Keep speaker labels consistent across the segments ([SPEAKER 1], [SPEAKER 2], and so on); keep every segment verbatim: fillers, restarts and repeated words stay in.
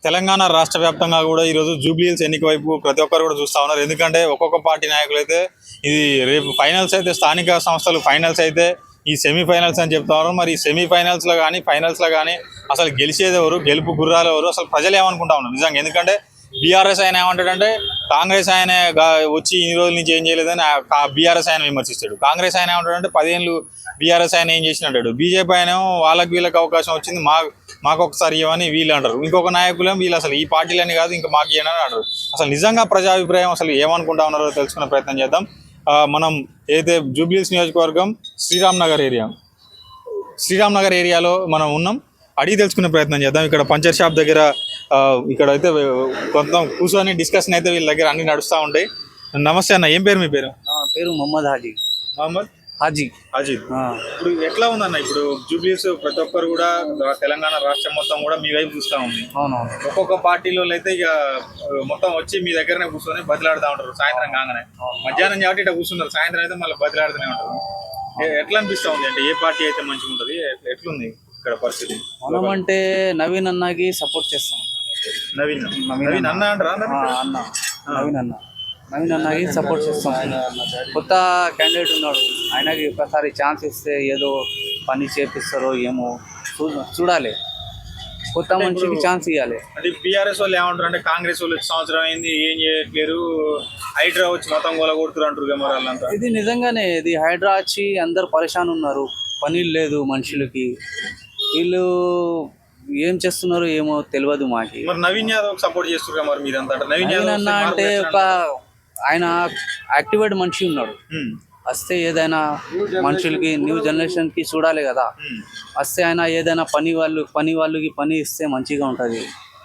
[SPEAKER 1] తెలంగాణ రాష్ట్ర వ్యాప్తంగా కూడా ఈరోజు జూబ్లీహిల్స్ ఎన్నిక వైపు ప్రతి ఒక్కరు కూడా చూస్తూ ఉన్నారు. ఎందుకంటే ఒక్కొక్క పార్టీ నాయకులు అయితే ఇది రేపు ఫైనల్స్ అయితే స్థానిక సంస్థలు ఫైనల్స్ అయితే ఈ సెమీఫైనల్స్ అని చెప్తా ఉన్నారు. మరి ఈ సెమీఫైనల్స్లో కానీ ఫైనల్స్లో కానీ అసలు గెలిచేది ఎవరు, గెలుపు గుర్రాలు ఎవరు, అసలు ప్రజలు ఏమనుకుంటా ఉన్నారు నిజంగా? ఎందుకంటే బీఆర్ఎస్ ఆయన ఏమంటాడంటే కాంగ్రెస్ ఆయన వచ్చి ఇన్ని రోజుల నుంచి ఏం చేయలేదని బీఆర్ఎస్ ఆయన విమర్శిస్తాడు. కాంగ్రెస్ ఆయన ఏమంటాడంటే పదిహేనులు బీఆర్ఎస్ ఆయన ఏం చేసినట్టాడు. బీజేపీ ఆయన వాళ్ళకి వీళ్ళకి అవకాశం వచ్చింది, మా మాకు ఒకసారి ఇవ్వని వీళ్ళు అంటారు. ఇంకొక నాయకులు వీళ్ళు అసలు ఈ పార్టీలని కాదు ఇంకా మాకు ఇవ్వని అంటారు. అసలు నిజంగా ప్రజాభిప్రాయం అసలు ఏమనుకుంటా ఉన్నారో తెలుసుకునే ప్రయత్నం చేద్దాం. మనం ఏదైతే జూబ్లీహిల్స్ నియోజకవర్గం శ్రీరామ్ నగర్ ఏరియా శ్రీరామ్ నగర్ ఏరియాలో మనం ఉన్నాం. అడిగి తెలుసుకునే ప్రయత్నం చేద్దాం. ఇక్కడ పంచర్ షాప్ దగ్గర ఇక్కడ అయితే కొంత కూర్చొని డిస్కషన్ అయితే వీళ్ళ దగ్గర అన్ని నడుస్తూ ఉంటాయి. నమస్తే అన్న, ఏం పేరు మీ పేరు?
[SPEAKER 2] పేరు మొహమ్మద్ హాజీ.
[SPEAKER 1] మొహమ్మద్
[SPEAKER 2] హాజీ
[SPEAKER 1] హాజీ. ఇప్పుడు ఎట్లా ఉందన్న, ఇప్పుడు జూబ్లీహిల్స్ ప్రతి ఒక్కరు కూడా తెలంగాణ రాష్ట్రం మొత్తం కూడా మీ వైపు చూస్తూ ఉంది. ఒక్కొక్క పార్టీలో అయితే ఇక మొత్తం వచ్చి మీ దగ్గరనే కూర్చొని బదిలాడుతూ ఉంటారు. సాయంత్రం కాగానే మధ్యాహ్నం కాబట్టి ఇట్లా కూర్చున్నారు, సాయంత్రం అయితే మళ్ళీ బదిలాడుతూనే ఉంటారు. ఎట్లా అనిపిస్తూ ఉంది అంటే ఏ పార్టీ అయితే మంచిగా ఉంటుంది, ఎట్లుంది ఇక్కడ పరిస్థితి?
[SPEAKER 2] మనం అంటే నవీన్ అన్నకి సపోర్ట్ చేస్తాం.
[SPEAKER 1] నవీన్ నవీన్ అన్న అంటారా?
[SPEAKER 2] అన్న నవీన్ అన్న నవీన్ అన్నకి సపోర్ట్ చేస్తాం. కొత్త క్యాండిడేట్ ఉన్నాడు, ఆయనకి ఒకసారి ఛాన్స్ ఇస్తే ఏదో పని చేపిస్తారో ఏమో చూడాలి. కొత్త మనిషికి ఛాన్స్ ఇవ్వాలి.
[SPEAKER 1] అది బీఆర్ఎస్ వాళ్ళు ఏమంటారు అంటే కాంగ్రెస్ వాళ్ళు సంవత్సరం అయింది ఏం చేయట్లేరు, హైడ్రా వచ్చి మొత్తం గోల కొడుతున్నారు అంటారు మరి వాళ్ళంతా.
[SPEAKER 2] ఇది నిజంగానే, ఇది హైడ్రా వచ్చి అందరు పరేషాన్ ఉన్నారు, పని లేదు మనుషులకి. వీళ్ళు ఏం చేస్తున్నారు ఏమో తెలియదు మాకి.
[SPEAKER 1] మరి నవీన్ యాదవ్ సపోర్ట్ చేస్తున్నారు మరి మీరంతా? నవీన్ యాదవ్
[SPEAKER 2] అన్న అంటే ఒక ఆయన యాక్టివేట్ మనిషి ఉన్నాడు, వస్తే ఏదైనా మనుషులకి న్యూ జనరేషన్ కి చూడాలి కదా. వస్తే ఆయన ఏదైనా పని వాళ్ళు పని వాళ్ళకి పని ఇస్తే మంచిగా ఉంటది.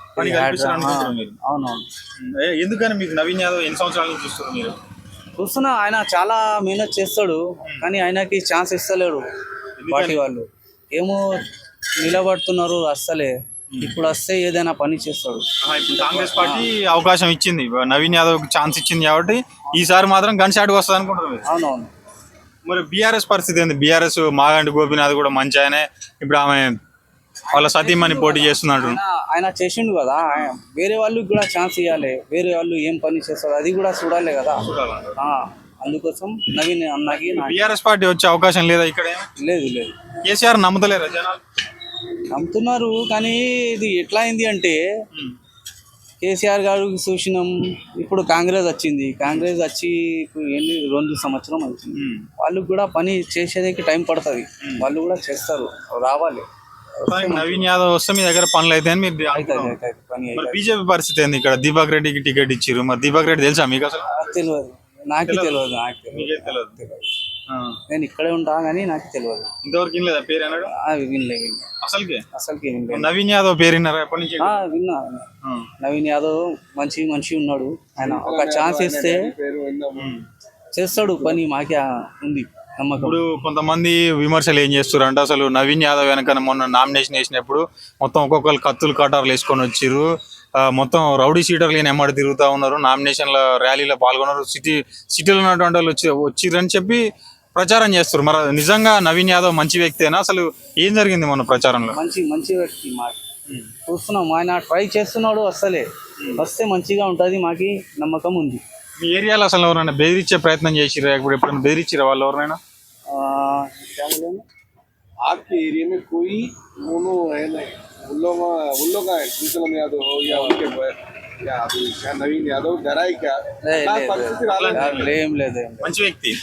[SPEAKER 2] అవునవును.
[SPEAKER 1] ఎందుకని మీకు నవీన్ యాదవ్ ఎన్ని సంవత్సరాల నుంచి చూస్తున్నారు మీరు?
[SPEAKER 2] చూస్తున్నా, ఆయన చాలా మెహనత్ చేస్తాడు, కానీ ఆయనకి ఛాన్స్ ఇస్తలేడు పార్టీ వాళ్ళు. ఏమో నిలబడుతున్నారు అస్సలే. ఇప్పుడు వస్తే ఏదైనా పని చేస్తాడు.
[SPEAKER 1] కాంగ్రెస్ పార్టీ అవకాశం ఇచ్చింది, నవీన్ యాదవ్ ఛాన్స్ ఇచ్చింది కాబట్టి ఈసారి మాత్రం గన్ షాట్ వస్తుంది అనుకుంటున్నారు.
[SPEAKER 2] అవునవును.
[SPEAKER 1] మరి బీఆర్ఎస్ పరిస్థితి ఏంది? బీఆర్ఎస్ మాగంటి గోపీనాథ్ కూడా మంచి ఆయనే, ఇప్పుడు ఆమె వాళ్ళ సతీమణి పోటీ చేస్తున్నాడు.
[SPEAKER 2] ఆయన చేసిండు కదా, వేరే వాళ్ళకి కూడా ఛాన్స్ ఇవ్వాలి. వేరే వాళ్ళు ఏం పని చేస్తారు అది కూడా చూడాలి కదా. అందుకోసం నవీన్ అన్నకి
[SPEAKER 1] బీఆర్ఎస్ పార్టీ వచ్చే అవకాశం లేదా ఇక్కడ?
[SPEAKER 2] లేదు లేదు.
[SPEAKER 1] కేసీఆర్ నమ్ముతలేరా జనాలు?
[SPEAKER 2] నమ్ముతున్నారు, కానీ ఇది ఎట్లా అయింది అంటే కేసీఆర్ గారు చూసినాం, ఇప్పుడు కాంగ్రెస్ వచ్చింది. కాంగ్రెస్ వచ్చి ఇప్పుడు ఎన్ని రెండు సంవత్సరం అవుతుంది. వాళ్ళకి కూడా పని చేసేదానికి టైం పడుతుంది, వాళ్ళు కూడా చేస్తారు, రావాలి.
[SPEAKER 1] నవీన్ యాదవ్ వస్తే మీ దగ్గర పనులు అయితే మీరు బీజేపీ పరిస్థితి ఏంది? ఇక్కడ దీపక్ రెడ్డికి టికెట్ ఇచ్చారు, మరి దీపక్ రెడ్డి తెలుసా మీకు? అసలు
[SPEAKER 2] తెలియదు, నాకు తెలియదు. నాకు తెలియదు, నేను ఇక్కడే ఉంటా కానీ నాకు తెలియదు.
[SPEAKER 1] ఇంతవరకు వినలేదా పేరు? అన్నాడు
[SPEAKER 2] వినలేదు
[SPEAKER 1] అసలుకే
[SPEAKER 2] అసలుకి వినలేదు.
[SPEAKER 1] నవీన్ యాదవ్ పేరు విన్నారా ఎప్పటి నుంచి?
[SPEAKER 2] విన్నా. నవీన్ యాదవ్ మంచి మనిషి ఉన్నాడు, ఆయన ఒక ఛాన్స్ ఇస్తే చేస్తాడు పని, మాకే ఉంది నమ్మకం.
[SPEAKER 1] ఇప్పుడు కొంతమంది విమర్శలు ఏం చేస్తారు అంటే అసలు నవీన్ యాదవ్ వెనక మొన్న నామినేషన్ వేసినప్పుడు మొత్తం ఒక్కొక్కరు కత్తులు కటార్లు వేసుకొని వచ్చిర్రు, మొత్తం రౌడీ సీటర్లు ఎమ్మడి తిరుగుతూ ఉన్నారు, నామినేషన్ల ర్యాలీలో పాల్గొన్నారు, సిటీ సిటీలో ఉన్నటువంటి వాళ్ళు వచ్చి వచ్చిర్రని చెప్పి ప్రచారం చేస్తారు. మరి నిజంగా నవీన్ యాదవ్ మంచి వ్యక్తేనా? అసలు ఏం జరిగింది మన ప్రచారంలో?
[SPEAKER 2] మంచి మంచి వ్యక్తి మాట చూస్తున్నాం, ఆయన ట్రై చేస్తున్నాడు, అసలే వస్తే మంచిగా ఉంటుంది, మాకి నమ్మకం ఉంది.
[SPEAKER 1] మీ ఏరియాలో అసలు ఎవరైనా బెదిరించే ప్రయత్నం చేసిరా? ఇప్పుడు ఎప్పుడైనా బెదిరించారా వాళ్ళు ఎవరైనా?
[SPEAKER 3] आपके एरिया में कोई दोनों है नहीं, उन लोग उन लोग का श्रीकलम यादव हो या उनके या अभी क्या नवीन यादव डरा ही क्या?
[SPEAKER 1] మంచి వ్యక్తి,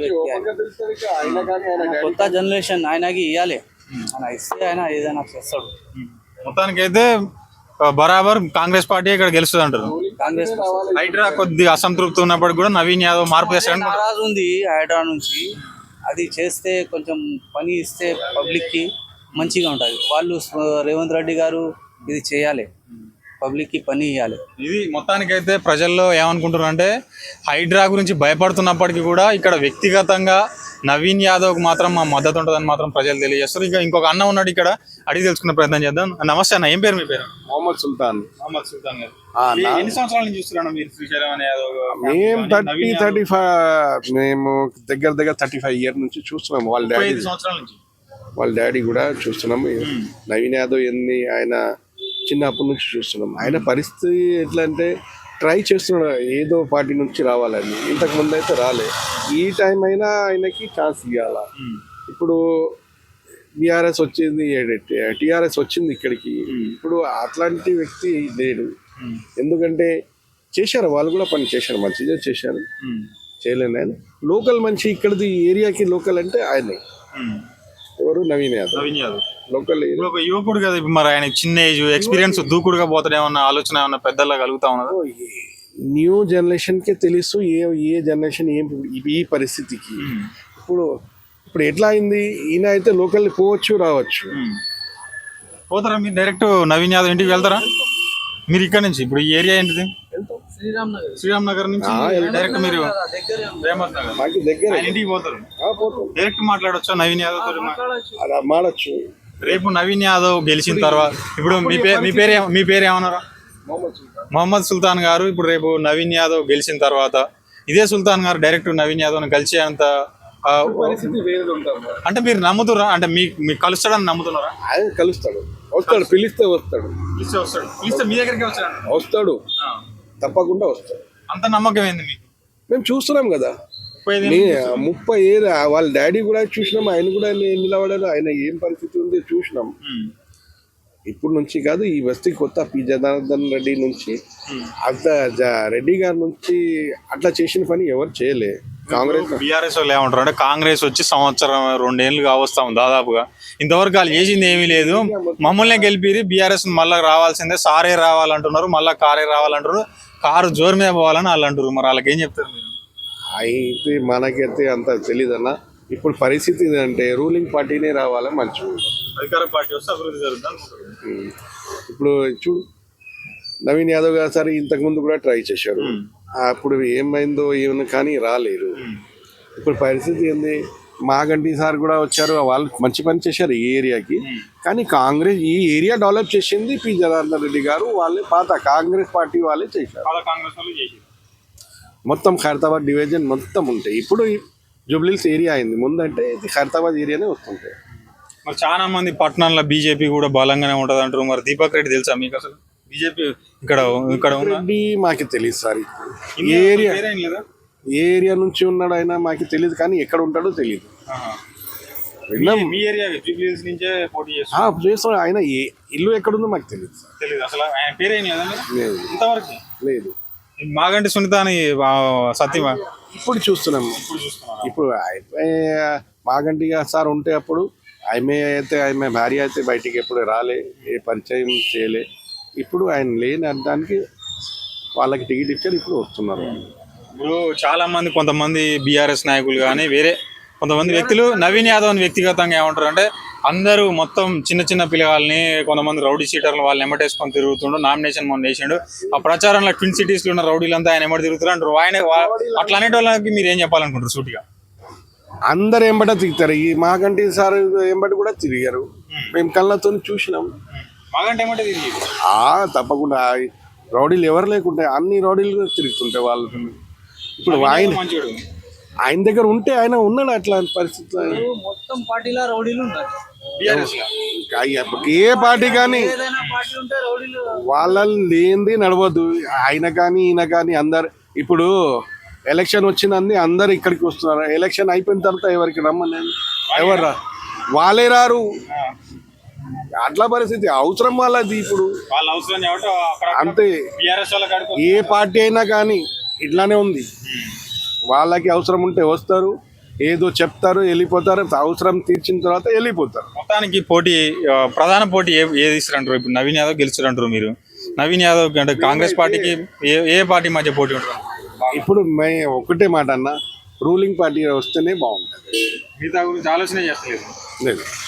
[SPEAKER 2] కొత్త జనరేషన్ ఆయనకి ఇవ్వాలి, ఆయన ఇస్తే ఆయన ఏదైనా చేస్తాడు.
[SPEAKER 1] మొత్తానికైతే బరాబర్ కాంగ్రెస్ పార్టీ ఇక్కడ గెలుస్తుంది అంటారు.
[SPEAKER 2] కాంగ్రెస్
[SPEAKER 1] హైడ్రా కొద్దిగా అసంతృప్తి ఉన్నప్పుడు కూడా నవీన్ యాదవ్ మార్పు చేస్తాడు.
[SPEAKER 2] నారాజు ఉంది హైడ్రా నుంచి, అది చేస్తే కొంచెం పని ఇస్తే పబ్లిక్ కి మంచిగా ఉంటుంది. వాళ్ళు రేవంత్ రెడ్డి గారు ఇది చేయాలి, పబ్లిక్ కి పని ఇవ్వాలి.
[SPEAKER 1] ఇది మొత్తానికైతే ప్రజల్లో ఏమనుకుంటున్నారు అంటే హైడ్రా గురించి భయపడుతున్నప్పటికీ కూడా ఇక్కడ వ్యక్తిగతంగా నవీన్ యాదవ్ మాత్రం మా మద్దతు ఉంటుందని మాత్రం ప్రజలు తెలియజేస్తారు. ఇంకా ఇంకొక అన్న ఉన్నాడు, ఇక్కడ అడిగి తెలుసుకునే ప్రయత్నం చేద్దాం. నమస్తే అన్న, ఏం పేరు మీ పేరు?
[SPEAKER 3] మొహమ్మద్ సుల్తాన్.
[SPEAKER 1] మొహమ్మద్ సుల్తాన్ గారు, ఎన్ని సంవత్సరాల నుంచి చూస్తున్నాను మీరు శ్రీశైలం యాదవ్?
[SPEAKER 3] మేము థర్టీ థర్టీ ఫైవ్ మేము దగ్గర దగ్గర థర్టీ ఫైవ్ ఇయర్ నుంచి చూస్తున్నాము. వాళ్ళ డాడీ
[SPEAKER 1] సంవత్సరాల నుంచి
[SPEAKER 3] వాళ్ళ డాడీ కూడా చూస్తున్నాము. నవీన్ యాదవ్ ఎన్ని ఆయన చిన్నప్పటి నుంచి చూస్తున్నాం. ఆయన పరిస్థితి ఎట్లా అంటే ట్రై చేస్తున్నాడు ఏదో పార్టీ నుంచి రావాలని. ఇంతకు ముందు అయితే రాలే. ఈ టైం అయినా ఆయనకి ఛాన్స్ ఇవ్వాల. ఇప్పుడు బీఆర్ఎస్ వచ్చింది, టీఆర్ఎస్ వచ్చింది ఇక్కడికి. ఇప్పుడు అట్లాంటి వ్యక్తి లేడు. ఎందుకంటే చేశారు, వాళ్ళు కూడా పని చేశారు, మంచిగా చేశారు. చేయలేను ఆయన లోకల్ మంచి ఇక్కడది ఏరియాకి లోకల్ అంటే ఆయనే. ఎవరు? నవీన్ యాదవ్.
[SPEAKER 1] నవీన్ యాదవ్
[SPEAKER 3] లోకల్
[SPEAKER 1] ఇప్పుడు ఒక యువకుడు కదా, ఇప్పుడు మరి ఆయన చిన్న ఏజ్ ఎక్స్పీరియన్స్ దూకుడుగా పోతాడు ఏమన్నా ఆలోచన ఏమన్నా పెద్దలా కలుగుతా ఉన్నదా?
[SPEAKER 3] న్యూ జనరేషన్ కి తెలుసు ఏ ఏ జనరేషన్ ఏం ఈ పరిస్థితికి. ఇప్పుడు ఇప్పుడు ఎట్లా అయింది, ఈయన అయితే లోకల్ పోవచ్చు రావచ్చు.
[SPEAKER 1] పోతారా మీరు డైరెక్ట్ నవీన్ యాదవ్ ఇంటికి వెళ్తారా? మీరు ఇక్కడ నుంచి ఇప్పుడు ఈ ఏరియా ఏంటిది?
[SPEAKER 2] శ్రీరామ్ నగర్.
[SPEAKER 1] శ్రీరామ్ నగర్ నుంచి డైరెక్ట్ మీరు రేమత్ నగర్
[SPEAKER 3] మాకు దగ్గర
[SPEAKER 1] ఆయన ఇంటికి పోతారు. డైరెక్ట్ మాట్లాడొచ్చా నవీన్ యాదవ్ తోటి?
[SPEAKER 3] అలా మాడచ్చు.
[SPEAKER 1] రేపు నవీన్ యాదవ్ గెలిచిన తర్వాత ఇప్పుడు మీ పేరు మీ పేరు మీ పేరు ఏమన్నారా? మొహమ్మద్ సుల్తాన్ గారు. ఇప్పుడు రేపు నవీన్ యాదవ్ గెలిచిన తర్వాత ఇదే సుల్తాన్ గారు డైరెక్ట్ నవీన్ యాదవ్ కలిసే అంత ఆ,
[SPEAKER 3] పరిస్థితి వేరేది ఉంటాం.
[SPEAKER 1] అంటే మీరు నమ్ముతురా? అంటే మీ మీకు కలుస్తాడని నమ్ముతున్నారా?
[SPEAKER 3] ఆయన కలుస్తాడు, వస్తాడు, పిలిస్తే వస్తాడు.
[SPEAKER 1] పిలిస్తే వస్తాడు. పిలిస్తే మీ దగ్గరికి వచ్చాడు.
[SPEAKER 3] వస్తాడు, తప్పకుండా వస్తాడు.
[SPEAKER 1] అంత నమ్మకం ఏంది మీకు?
[SPEAKER 3] మేము చూస్తున్నాం కదా,
[SPEAKER 1] ముప్పై ఐదు
[SPEAKER 3] నీ ముప్పై ఏళ్ళు వాళ్ళ డాడీ కూడా చూసినాం, ఆయన కూడా నిలబడారు. ఆయన ఏం పరిస్థితి ఉంది చూసినాం.
[SPEAKER 1] ఉమ్.
[SPEAKER 3] ఇప్పుడు నుంచి కాదు, ఈ బస్తీ కొత్త పి జనార్దన్ రెడ్డి నుంచి అంత జ- రెడ్డి గారి నుంచి అట్లా చేసిన పని ఎవరు చేయలే. కాంగ్రెస్
[SPEAKER 1] బీఆర్ఎస్ వాళ్ళు ఏమంటారు అంటే కాంగ్రెస్ వచ్చి సంవత్సరం రెండేళ్లు కావస్తాం దాదాపుగా, ఇంతవరకు వాళ్ళు చేసింది ఏమీ లేదు, మమ్మల్ని గెలిపిరి బీఆర్ఎస్ మళ్ళీ రావాల్సిందే, సారే రావాలంటున్నారు, మళ్ళీ కారే రావాలంటారు, కారు జోరు మీద పోవాలని వాళ్ళు అంటారు. మరి వాళ్ళకి ఏం చెప్తారు మీరు?
[SPEAKER 3] అయితే మనకైతే అంత తెలీదన్న. ఇప్పుడు పరిస్థితి ఏంటంటే రూలింగ్ పార్టీనే రావాలని మంచిగా.
[SPEAKER 1] అధికార పార్టీ వస్తే అభివృద్ధి జరుగుతుంది.
[SPEAKER 3] ఇప్పుడు చూడు, నవీన్ యాదవ్ గారు సరే ఇంతకుముందు కూడా ట్రై చేశారు. అప్పుడు ఏమైందో ఏమన్నా కానీ రాలేరు. ఇప్పుడు పరిస్థితి ఏంది, మాగంటి సార్ కూడా వచ్చారు, వాళ్ళు మంచి పని చేశారు ఈ ఏరియాకి. కానీ కాంగ్రెస్ ఈ ఏరియా డెవలప్ చేసింది పి జనార్దన్ రెడ్డి గారు, వాళ్ళే పాత కాంగ్రెస్ పార్టీ వాళ్ళే చేశారు.
[SPEAKER 1] చాలా కాంగ్రెస్ వాళ్ళు చేసి
[SPEAKER 3] మొత్తం ఖైరతాబాద్ డివిజన్ మొత్తం ఉంటాయి. ఇప్పుడు జూబ్లీహిల్స్ ఏరియా అయింది, ముందంటే ఇది ఖైరతాబాద్ ఏరియానే వస్తుంటాయి.
[SPEAKER 1] మరి చాలా మంది పట్టణాల్లో బీజేపీ కూడా బలంగానే ఉంటది అంటారు. మరి దీపక్ రెడ్డి తెలుసా మీకు? అసలు బీజేపీ ఇక్కడ ఇక్కడ ఉన్న
[SPEAKER 3] రెడ్డి మాకు తెలియదు సార్. ఏ ఏరియా
[SPEAKER 1] పేరేం లేదా?
[SPEAKER 3] ఏ ఏరియా నుంచి ఉన్నాడు ఆయన మాకు తెలియదు, కానీ ఎక్కడ ఉంటాడో తెలియదు.
[SPEAKER 1] ఆహా.
[SPEAKER 3] విన్నాం,
[SPEAKER 1] మీ ఏరియా జూబ్లీహిల్స్ నుంచే పోటీ చేస్తారు.
[SPEAKER 3] ఆ, చేస్తాడు. ఆయన ఏ ఇల్లు ఎక్కడుందో మాకు తెలియదు సార్.
[SPEAKER 1] తెలియదు అసలు ఆయన పేరేం లేదా
[SPEAKER 3] లేదు
[SPEAKER 1] ఇంతవరకు?
[SPEAKER 3] లేదు.
[SPEAKER 1] మాగంటి సునీత అని ఆ, సత్యమా
[SPEAKER 3] ఇప్పుడు చూస్తున్నాం.
[SPEAKER 1] ఇప్పుడు చూస్తున్నారా?
[SPEAKER 3] ఇప్పుడు ఆయన మాగంటి గారు సార్ ఉంటే అప్పుడు ఆమె అయితే ఆమె భార్య అయితే బయటికి ఎప్పుడు రాలే, ఏ పరిచయం చేయలే. ఇప్పుడు ఆయన లేని అర్థానికి వాళ్ళకి టికెట్ ఇచ్చారు, ఇప్పుడు వస్తున్నారు.
[SPEAKER 1] ఇప్పుడు చాలా మంది కొంతమంది బీఆర్ఎస్ నాయకులు కానీ వేరే కొంతమంది వ్యక్తులు నవీన్ యాదవ్ వ్యక్తిగతంగా ఏమంటారు అంటే అందరూ మొత్తం చిన్న చిన్న పిల్లగాల్ని కొంతమంది రౌడీ షీటర్లు వాళ్ళని ఎమ్మటేసుకొని తిరుగుతుండు, నామినేషన్ మొన్న వేసిండు, ఆ ప్రచారంలో ట్విన్ సిటీస్ లో ఉన్న రౌడీలంతా ఆయన ఎమ్మటి తిరుగుతారు అంటారు. ఆయన వా- అట్లా అనేటి వాళ్ళకి మీరు ఏం చెప్పాలనుకుంటారు సూటిగా?
[SPEAKER 3] అందరు ఎంబట తిరుగుతారు. ఈ మాగంటి సార్ ఎంబటి కూడా తిరిగారు, మేము కళ్ళతో చూసినాం.
[SPEAKER 1] మాగంటి ఏమంటే తిరిగి
[SPEAKER 3] ఆ తప్పకుండా రౌడీలు ఎవరు లేకుంటే అన్ని రౌడీలు తిరుగుతుంటాయి వాళ్ళు. ఇప్పుడు ఆయన
[SPEAKER 1] మంచిగా
[SPEAKER 3] ఆయన దగ్గర ఉంటే ఆయన ఉన్నాడు అట్లాంటి పరిస్థితుల్లో.
[SPEAKER 2] మొత్తం పార్టీలో రౌడీలు ఉన్నారు.
[SPEAKER 1] బీఆర్ఎస్
[SPEAKER 3] ఏ పార్టీ కానీ
[SPEAKER 2] ఏదైనా పార్టీ ఉంటే రౌడీలు.
[SPEAKER 3] వాళ్ళని లేనిది నడవద్దు. ఆయన కానీ ఈయన కానీ అందరు ఇప్పుడు ఎలక్షన్ వచ్చిందని అందరు ఇక్కడికి వస్తున్నారు. ఎలక్షన్ అయిపోయిన తర్వాత ఎవరికి రమ్మని ఎవరు రా, వాళ్ళే రారు. అట్లా పరిస్థితి అవసరం వాళ్ళది. ఇప్పుడు
[SPEAKER 1] వాళ్ళ అవసరం కాబట్టి అక్కడ
[SPEAKER 3] అంతే.
[SPEAKER 1] బీఆర్ఎస్ వాళ్ళ కాడికి
[SPEAKER 3] ఏ పార్టీ అయినా కానీ ఇట్లానే ఉంది. వాళ్ళకి అవసరం ఉంటే వస్తారు, ఏదో చెప్తారు, వెళ్ళిపోతారు. అవసరం తీర్చిన తర్వాత వెళ్ళిపోతారు.
[SPEAKER 1] మొత్తానికి పోటీ ఆ, ప్రధాన పోటీ ఏ ఏది ఇస్తారంటారు? ఇప్పుడు నవీన్ యాదవ్ గెలుస్తారంటారు మీరు. నవీన్ యాదవ్ అంటే కాంగ్రెస్ పార్టీకి ఏ ఏ పార్టీ మధ్య పోటీ ఉంటుంది?
[SPEAKER 3] ఇప్పుడు మే ఒకటే మాట అన్న, రూలింగ్ పార్టీ వస్తేనే బాగుంటుంది.
[SPEAKER 1] మిగతా గురించి ఆలోచన చేస్తలేదు.
[SPEAKER 3] లేదు.